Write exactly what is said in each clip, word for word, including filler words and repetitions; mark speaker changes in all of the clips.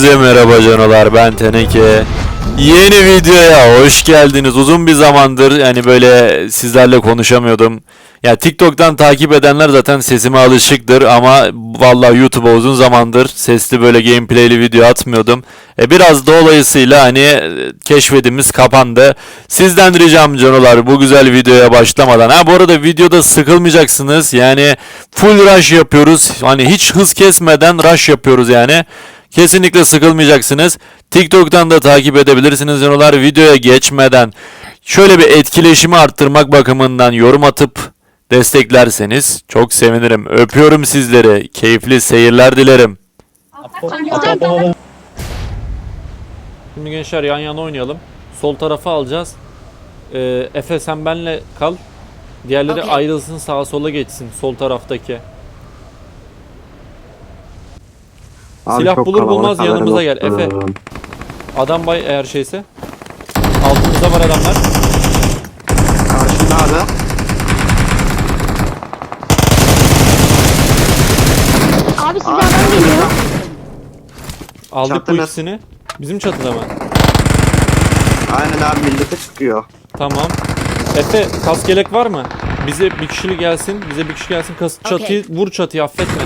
Speaker 1: Herkese merhaba canolar, ben Teneke. Yeni videoya hoş geldiniz. Uzun bir zamandır yani böyle sizlerle konuşamıyordum. Ya TikTok'tan takip edenler zaten sesime alışıktır ama vallahi YouTube'a uzun zamandır sesli böyle gameplay'li video atmıyordum. E biraz dolayısıyla hani keşfedimiz kapandı. Sizden ricam canolar bu güzel videoya başlamadan. Ha bu arada videoda sıkılmayacaksınız. Yani full rush yapıyoruz. Hani hiç hız kesmeden rush yapıyoruz yani. Kesinlikle sıkılmayacaksınız. TikTok'tan da takip edebilirsiniz canolar. Videoya geçmeden şöyle bir etkileşimi arttırmak bakımından yorum atıp desteklerseniz çok sevinirim. Öpüyorum sizleri. Keyifli seyirler dilerim. Şimdi gençler yan yana oynayalım. Sol tarafı alacağız. Ee, Efe sen benle kal. Diğerleri okay. Ayrılsın, sağa sola geçsin sol taraftaki. Abi silah bulur bulmaz yanımıza gel Efe. Adam bay eğer şeyse. Altımızda var adamlar.
Speaker 2: Karşında abi.
Speaker 3: Abi size adam geliyor.
Speaker 1: Aldık
Speaker 2: Çatı
Speaker 1: bu ikisini. Bizim çatıda mı?
Speaker 2: Aynen abi, millete çıkıyor.
Speaker 1: Tamam. Efe kaskelek var mı? Bize bir kişili gelsin. Bize bir kişi gelsin. Kas çatıyı okay. Vur çatıyı, affetme.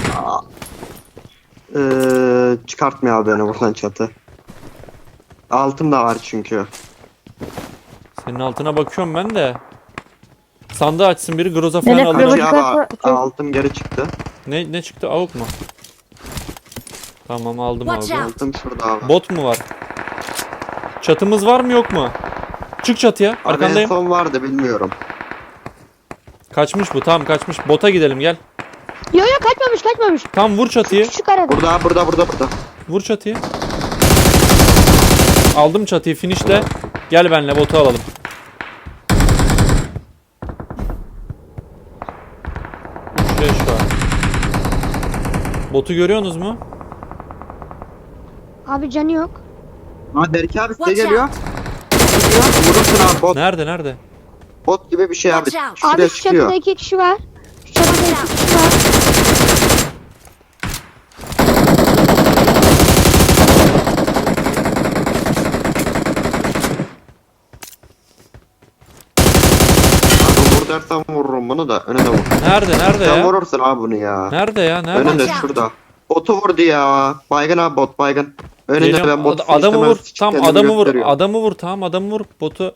Speaker 2: Ee, çıkartmıyor abi beni buradan çatı. Altım da var çünkü.
Speaker 1: Senin altına bakıyorum ben de. Sandığı açsın biri, groza falan alır.
Speaker 2: Abi, abi, altım geri çıktı.
Speaker 1: Ne ne çıktı? Avuk mu? Tamam aldım abi.
Speaker 2: Altım şurada abi.
Speaker 1: Bot mu var? Çatımız var mı yok mu? Çık çatıya. Arkandayım.
Speaker 2: Abi en son vardı, bilmiyorum.
Speaker 1: Kaçmış bu. Tamam kaçmış. Bota gidelim gel.
Speaker 3: Yo yo kaçmamış kaçmamış.
Speaker 1: Tam vur çatıyı.
Speaker 3: Küçük arada.
Speaker 2: Burada burada burada burada.
Speaker 1: Vur çatıyı. Aldım çatıyı, finishle. Gel benle botu alalım. Şuraya şu an. Botu görüyorsunuz mu?
Speaker 3: Abi canı yok.
Speaker 2: Ha Berke abi size geliyor. Vurursun abi bot.
Speaker 1: Nerede nerede?
Speaker 2: Bot gibi bir şey abi. Şuraya
Speaker 3: Abi şu
Speaker 2: çıkıyor.
Speaker 3: çatıda iki kişi var. Şu çatıda iki kişi var.
Speaker 2: Abi vur dersen vururum bunu da, önüne vur.
Speaker 1: Nerede nerede
Speaker 2: Sen
Speaker 1: ya?
Speaker 2: vurursun abi bunu ya.
Speaker 1: Nerede ya? Nerede?
Speaker 2: Önünde şurada. Botu vurdu ya. Baygın abi, bot baygın. Önünde
Speaker 1: Geliyorum.
Speaker 2: ben botu
Speaker 1: Ad- adamı vur. Tam
Speaker 2: kendimi
Speaker 1: adamı vur.
Speaker 2: gösteriyorum.
Speaker 1: Adamı vur. Tamam adamı vur. Botu.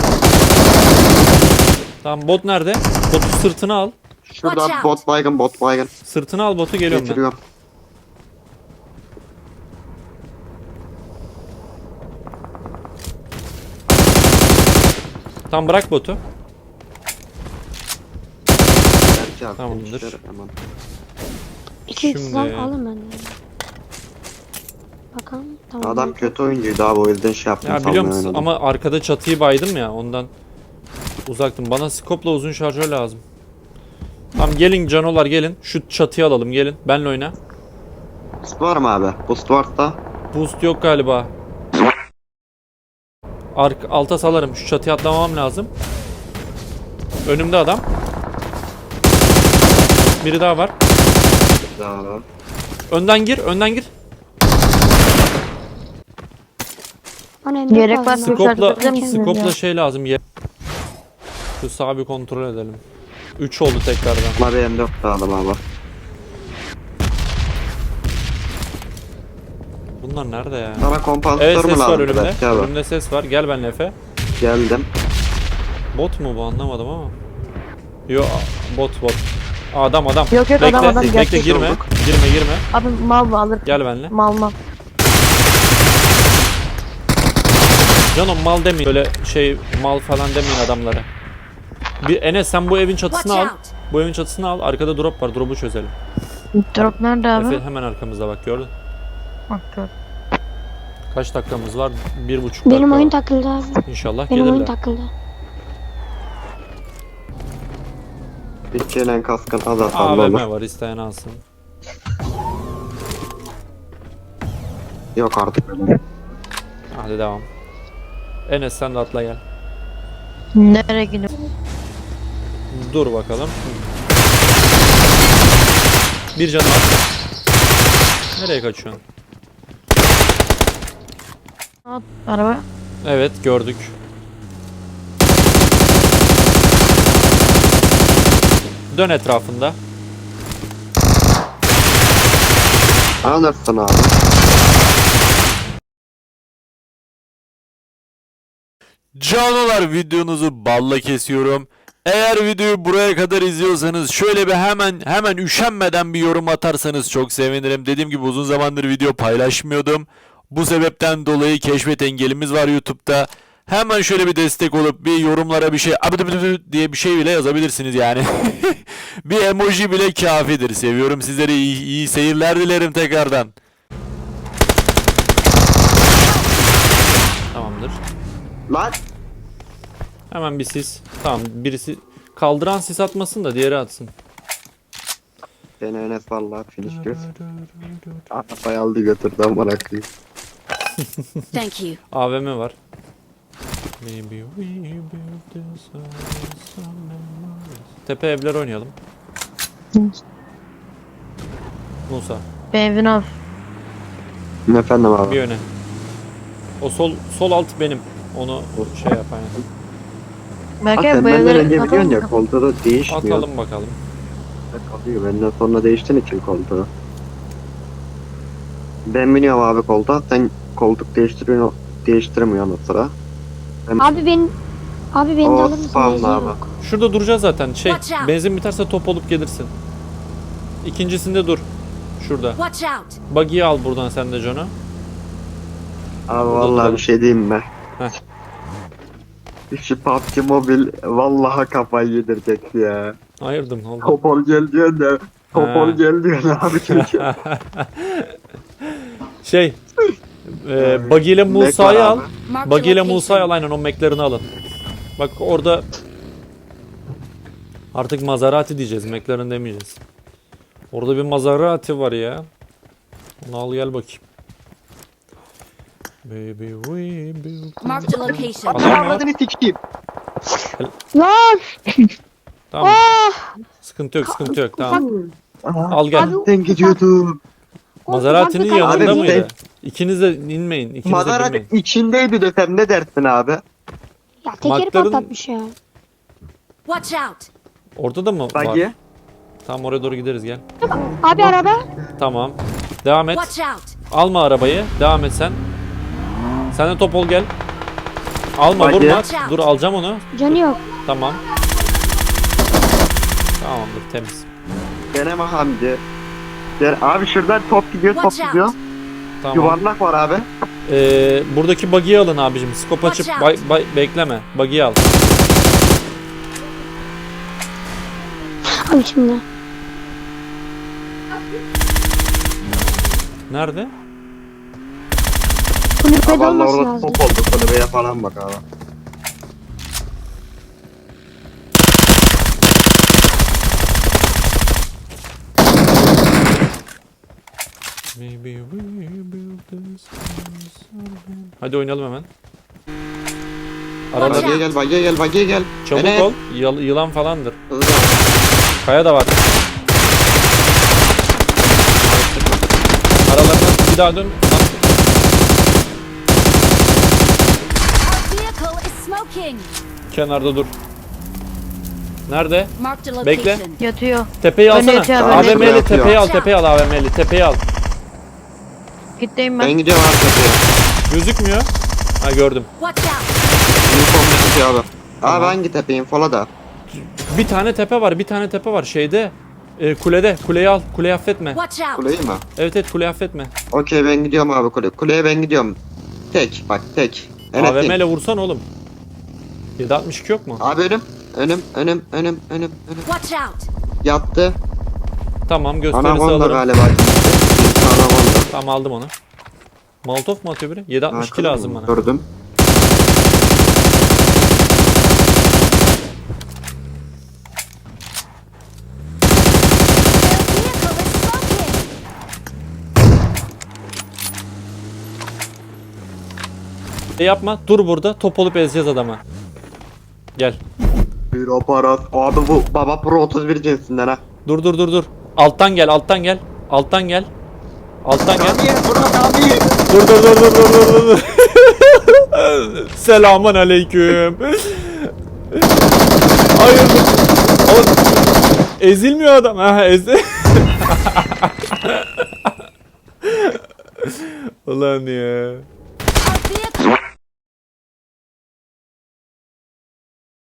Speaker 1: Tamam bot nerede? Botu sırtına al.
Speaker 2: Şurada bot baygın, bot baygın.
Speaker 1: Sırtına al botu, geliyorum ben.
Speaker 2: Getiriyorum.
Speaker 1: Tamam bırak botu.
Speaker 2: Berke abi,
Speaker 1: Tamamdır.
Speaker 2: gençler, hemen.
Speaker 3: İki
Speaker 1: Şimdi-
Speaker 3: kişi var alın ben de. Bakalım tamam.
Speaker 2: Adam kötü oyuncuydu abi, o yüzden şey yaptım.
Speaker 1: Ya biliyor musun
Speaker 2: oynadım.
Speaker 1: ama arkada çatıyı baydım ya, ondan uzaktım. Bana skopla uzun şarjör lazım. Tamam gelin canolar gelin. Şu çatıyı alalım gelin. Benle oyna.
Speaker 2: Boost var mı abi? Boost varsa.
Speaker 1: Boost yok galiba. Ark alta salarım. Şu çatıya atlamam lazım. Önümde adam. Biri daha var.
Speaker 2: Daha.
Speaker 1: Önden gir, önden gir.
Speaker 3: Gerek var.
Speaker 1: Skopla, skopla şey lazım. Ye- Şu sağa bir kontrol edelim. üç oldu tekrardan.
Speaker 2: Ama benim de yoktu adam abi.
Speaker 1: Bunlar nerede ya?
Speaker 2: Sana kompansatör
Speaker 1: Evet
Speaker 2: mü
Speaker 1: ses var
Speaker 2: lazım?
Speaker 1: önümde.
Speaker 2: Berke abi?
Speaker 1: Önümde ses var. Gel benimle Efe.
Speaker 2: Geldim.
Speaker 1: Bot mu bu, anlamadım ama. Yo bot bot. Aa, adam adam.
Speaker 4: Yok yok
Speaker 1: Bekle,
Speaker 4: adam adam
Speaker 1: bekle
Speaker 4: gerçek.
Speaker 1: girme.
Speaker 2: olduk.
Speaker 1: Girme girme.
Speaker 4: Abi mal mı alır?
Speaker 1: Gel benimle.
Speaker 4: Mal mal.
Speaker 1: Canım mal demeyin. Böyle şey mal falan demeyin adamlara. Bir Enes sen bu evin çatısını al. Bu evin çatısını al. Arkada drop var. Drop'u çözelim.
Speaker 4: Drop nerede abi?
Speaker 1: Efe hemen arkamızda bak, gördün.
Speaker 4: Bak gör.
Speaker 1: Kaç dakikamız var? Bir buçuk dakika.
Speaker 3: Benim oyun
Speaker 1: var.
Speaker 3: takıldı abi.
Speaker 1: İnşallah
Speaker 3: Benim oyun
Speaker 1: gelirler.
Speaker 3: takıldı.
Speaker 2: Bir gelen kaskın az
Speaker 1: A
Speaker 2: atarlı
Speaker 1: V
Speaker 2: olur.
Speaker 1: M var, isteyen alsın.
Speaker 2: Yok artık.
Speaker 1: Hadi devam. Enes sen de atla gel.
Speaker 4: Nereye gidiyor?
Speaker 1: Dur bakalım. Bir canı var. Nereye kaçıyorsun?
Speaker 4: At, araba.
Speaker 1: Evet gördük. Dön etrafında.
Speaker 2: Anlarsın abi.
Speaker 1: Canolar, videonuzu balla kesiyorum. Eğer videoyu buraya kadar izliyorsanız şöyle bir hemen hemen üşenmeden bir yorum atarsanız çok sevinirim. Dediğim gibi uzun zamandır video paylaşmıyordum. Bu sebepten dolayı keşfet engelimiz var YouTube'da. Hemen şöyle bir destek olup bir yorumlara bir şey diye bir şey bile yazabilirsiniz yani. Bir emoji bile kafidir. Seviyorum sizleri. İyi, iyi seyirler dilerim tekrardan. Tamamdır.
Speaker 2: Lan.
Speaker 1: Hemen bir sis. Tamam, birisi kaldıran sis atmasın da diğeri atsın.
Speaker 2: Beni Enes vallahi finish göz. Arabayı aldı götürdü amına koyayım.
Speaker 5: Thank you.
Speaker 1: A V M var. Maybe we build this house on memories. Tepe evler oynayalım. Musa
Speaker 4: Benzin al.
Speaker 2: Efendim abi.
Speaker 1: bir öne. O sol sol alt benim. Onu şey yap aynen.
Speaker 2: Ha,
Speaker 4: Belki
Speaker 2: sen
Speaker 4: bu
Speaker 2: benden
Speaker 4: evleri
Speaker 2: önce biliyorsun
Speaker 4: kapatalım
Speaker 2: ya
Speaker 4: mı?
Speaker 2: koltuğu da değişmiyor.
Speaker 1: Atalım bakalım.
Speaker 2: Kalıyor benden sonra değiştiğin için koltuğu. Ben biniyorum abi koltuğa, sen koltuk değiştiriyorsun, değiştirmiyorsun o sıra. Ben...
Speaker 3: Abi ben abi beni de
Speaker 2: O
Speaker 3: alır mısın?
Speaker 2: spamlı
Speaker 3: Benzin
Speaker 2: abi.
Speaker 3: yok.
Speaker 1: Şurada duracağız zaten. Şey,
Speaker 5: Watch out.
Speaker 1: benzin biterse top olup gelirsin. İkincisinde dur. Şurada.
Speaker 5: Watch out.
Speaker 1: Buggy'yi al buradan sen de John'u.
Speaker 2: Abi
Speaker 1: Burada
Speaker 2: vallahi
Speaker 1: duralım.
Speaker 2: bir şey diyeyim mi?
Speaker 1: Heh.
Speaker 2: Şu P U B G Mobile vallahi kafayı yedirecek ya.
Speaker 1: Ayırdım oldu.
Speaker 2: Topol gel diyor da Topol
Speaker 1: Ha.
Speaker 2: gel diyor abi çünkü.
Speaker 1: Şey, e, Buggy ile
Speaker 2: Mac var
Speaker 1: Musa'yı al.
Speaker 2: abi.
Speaker 5: Mark
Speaker 1: Buggy ile
Speaker 5: the
Speaker 1: Musa'yı al,
Speaker 5: location.
Speaker 1: aynen o Mac'lerini alın. Bak orada artık Maserati diyeceğiz, McLaren demeyeceğiz. Orada bir Maserati var ya. Onu al gel bakayım. Baby we built.
Speaker 5: Mark the location.
Speaker 1: Adam var.
Speaker 2: Adını sikeyim.
Speaker 3: Lan!
Speaker 1: Tamam.
Speaker 3: Ah!
Speaker 1: Sıkıntı yok, sıkıntı yok. Tamam. Al gel.
Speaker 3: Abi,
Speaker 2: Ben gidiyordum.
Speaker 1: Maserati'nin
Speaker 3: ufak bir
Speaker 1: yanında
Speaker 2: Abi,
Speaker 1: mıydı?
Speaker 2: sen-
Speaker 1: İkiniz de inmeyin. İkiniz de
Speaker 2: Maserati
Speaker 1: binmeyin.
Speaker 2: içindeydi desem ne dersin abi?
Speaker 3: Ya tekeri
Speaker 1: Markların-
Speaker 3: patlatmış ya.
Speaker 5: Watch out.
Speaker 1: Orada da mı var?
Speaker 2: Buggy.
Speaker 1: Tamam, oraya doğru gideriz, gel.
Speaker 3: Abi araba.
Speaker 1: Tamam. Devam et.
Speaker 5: Watch out.
Speaker 1: Alma arabayı. Devam et sen. Sen de Topol gel. Alma,
Speaker 2: Hadi.
Speaker 1: vurma. Dur, alacağım onu.
Speaker 3: Canı yok.
Speaker 1: Tamam. Tamamdır, temiz.
Speaker 2: Deneme Hamdi. Gel abi şuradan top gidiyor top
Speaker 5: Watch out.
Speaker 2: gidiyor.
Speaker 1: Tamam.
Speaker 2: Yuvarlak var abi.
Speaker 1: Ee, buradaki buggy'i alın abicim. Skop açıp
Speaker 5: Watch
Speaker 1: bay,
Speaker 5: out.
Speaker 1: bay- bekleme. Buggy'i al.
Speaker 3: Abi şimdi.
Speaker 1: Nerede?
Speaker 3: Kulübede
Speaker 2: Ha, vallahi
Speaker 3: olması
Speaker 2: orada
Speaker 3: lazım.
Speaker 2: top oldu. Kulübeye falan bak abi.
Speaker 1: Maybe we build this house on- Hadi oynayalım hemen.
Speaker 5: Watch
Speaker 1: Aralar
Speaker 2: Bagiye gel bagiye gel bagiye gel.
Speaker 1: çabuk
Speaker 2: Enes.
Speaker 1: ol. Yıl- yılan falandır.
Speaker 2: Hızlı.
Speaker 1: Kaya da var. Aralarına bir daha dön.
Speaker 5: Our vehicle is smoking.
Speaker 1: Kenarda dur. Nerede?
Speaker 5: Mark the
Speaker 1: Bekle.
Speaker 5: location.
Speaker 4: Yatıyor.
Speaker 1: Tepeyi
Speaker 4: Önde
Speaker 1: alsana.
Speaker 4: yatıyor abi,
Speaker 2: önde
Speaker 1: A V M'li
Speaker 2: yatıyor.
Speaker 1: tepeyi al, tepeyi al A V M'li. Tepeyi al.
Speaker 4: Gitteyim
Speaker 2: Ben
Speaker 4: ben.
Speaker 2: gidiyorum abi tepeye.
Speaker 1: Gözükmüyor. Ha, gördüm.
Speaker 5: Watch out.
Speaker 2: Uniform tutuyor abi.
Speaker 1: Tamam.
Speaker 2: Abi hangi tepeyim fola da.
Speaker 1: Bir tane tepe var, bir tane tepe var şeyde. E, kulede. Kuleyi al. Kuleyi affetme.
Speaker 5: Watch out.
Speaker 2: Kuleyi mi?
Speaker 1: Evet evet, kuleyi affetme.
Speaker 2: Okey ben gidiyorum abi kule. Kuleye ben gidiyorum. Tek bak tek.
Speaker 1: A V M
Speaker 2: tek.
Speaker 1: ile vursan oğlum. yedi altmış iki yok mu?
Speaker 2: Abi önüm. Önüm önüm önüm önüm önüm.
Speaker 5: Watch out.
Speaker 2: Yattı.
Speaker 1: Tamam, gösterisi
Speaker 2: Anaconda
Speaker 1: alırım.
Speaker 2: galiba. Anaconda.
Speaker 1: Tamam, aldım onu. Molotof mu atıyor biri? yedi altmış iki
Speaker 2: Arkada
Speaker 1: lazım
Speaker 2: mı?
Speaker 1: bana.
Speaker 2: Gördüm.
Speaker 5: Their vehicle is smoking.
Speaker 1: Şey yapma, dur burada. Top olup ezeceğiz adamı. Gel.
Speaker 2: Bir aparat. Abi bu Baba Pro otuz bir cinsinden ha.
Speaker 1: Dur dur dur dur. Alttan gel, alttan gel. Alttan gel. Alttan gel.
Speaker 2: Abi bırak abi.
Speaker 1: Dur dur dur dur dur dur dur. Selamun aleyküm. Hayır. Oğlum, ezilmiyor adam. Ha, ezi. Ulan ya.